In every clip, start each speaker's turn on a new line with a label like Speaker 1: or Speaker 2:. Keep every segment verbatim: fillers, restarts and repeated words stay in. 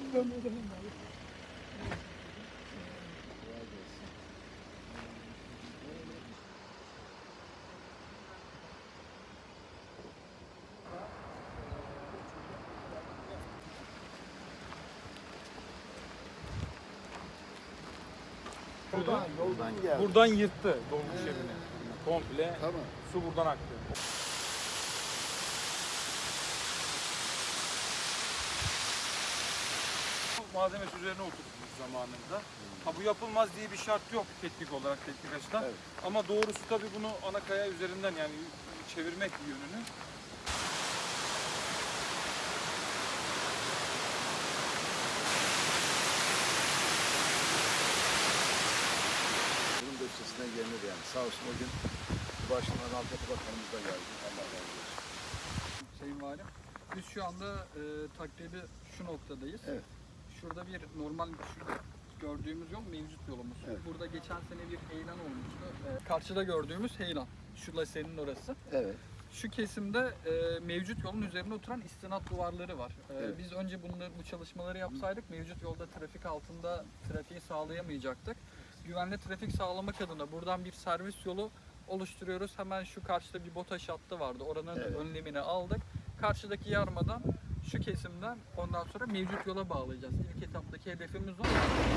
Speaker 1: Buradan, yoldan geldi.
Speaker 2: Buradan yırttı dolmuş evini. Komple
Speaker 1: Tamam.
Speaker 2: su buradan aktı. Malzemesi üzerine oturtmuş zamanında. Ha, bu yapılmaz diye bir şart yok teknik olarak, teknik açıdan.
Speaker 1: Evet.
Speaker 2: Ama doğrusu tabii bunu ana kaya üzerinden yani çevirmek yönünü.
Speaker 1: Bunun da üstesinden gelinir yani. Sağ olsun o gün başından Altyapı Bakanımız da geldi. Allah razı olsun.
Speaker 3: Sayın Valim, biz şu anda e, takribi şu noktadayız.
Speaker 1: Evet.
Speaker 3: Şurada bir normal şu gördüğümüz yol mevcut yolumuz.
Speaker 1: Evet.
Speaker 3: Burada geçen sene bir heyelan olmuştu. E, karşıda gördüğümüz heyelan. Şu lasenin orası.
Speaker 1: Evet.
Speaker 3: Şu kesimde e, mevcut yolun üzerine oturan istinat duvarları var. E,
Speaker 1: Evet.
Speaker 3: Biz önce bunları, bu çalışmaları yapsaydık mevcut yolda trafik altında trafiği sağlayamayacaktık. Güvenli trafik sağlamak adına buradan bir servis yolu oluşturuyoruz. Hemen şu karşıda bir BOTAŞ hattı vardı. Oranın
Speaker 1: Evet.
Speaker 3: önlemini aldık. Karşıdaki yarmadan şu kesimden ondan sonra mevcut yola bağlayacağız. İlk etaptaki hedefimiz o.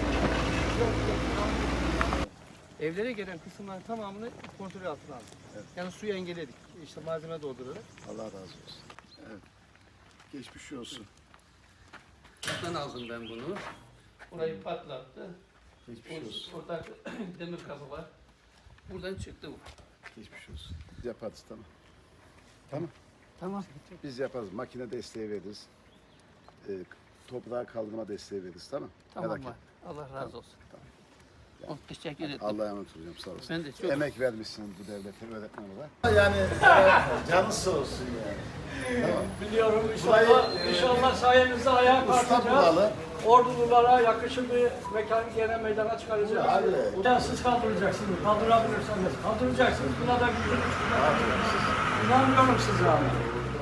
Speaker 4: Evlere gelen kısımların tamamını kontrol altına aldık.
Speaker 1: Evet.
Speaker 4: Yani suyu engelledik. İşte malzeme doldurarak.
Speaker 1: Allah razı olsun. Evet. Geçmiş olsun.
Speaker 4: Buradan aldım ben bunu. Burayı patlattı.
Speaker 1: Geçmiş olsun.
Speaker 4: Orada demir kapı var. Buradan çıktı bu.
Speaker 1: Geçmiş olsun. Biz yaparız tamam. Tamam.
Speaker 4: Tamam.
Speaker 1: Biz yaparız. Makine desteği veririz. Ee, toprağa kaldırma desteği veririz tamam.
Speaker 4: Tamam
Speaker 1: Merak
Speaker 4: var.
Speaker 1: etme.
Speaker 4: Allah razı olsun.
Speaker 1: Tamam.
Speaker 4: Oh, teşekkür ederim.
Speaker 1: Allah'a emanet olacağım sağ olasın.
Speaker 4: Ben de çok
Speaker 1: Emek vermişsiniz bu devlete, öğretmen olarak. Yani e, canı sağ olsun yani. Tamam.
Speaker 5: Biliyorum inşallah, inşallah sayenizde ayağa
Speaker 1: Usta
Speaker 5: kalkacağız.
Speaker 1: buralı.
Speaker 5: Ordululara yakışır bir mekan gene meydana çıkaracağız.
Speaker 1: Abi.
Speaker 5: Buradan siz kaldıracaksınız, kaldırabilirsiniz. Kaldıracaksınız, buna da gücünüz. İnanmıyorum size abi.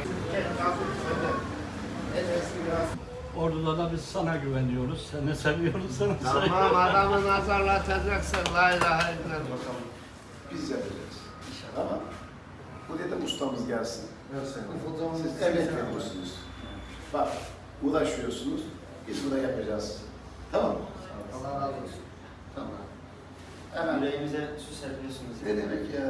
Speaker 5: Ordu'da da biz sana güveniyoruz, seni seviyoruz, seni seviyoruz.
Speaker 6: Tamam adamı nazarlatacaksın. La ilahe illallah.
Speaker 1: Biz yapacağız. Tamam. Buraya da ustamız gelsin. Siz emek veriyorsunuz. Bak, uğraşıyorsunuz. Biz burada yapacağız. Tamam mı?
Speaker 6: Allah razı olsun.
Speaker 1: Tamam. Hemen.
Speaker 6: Yüreğimize su serpiyorsunuz.
Speaker 1: Ne demek ya?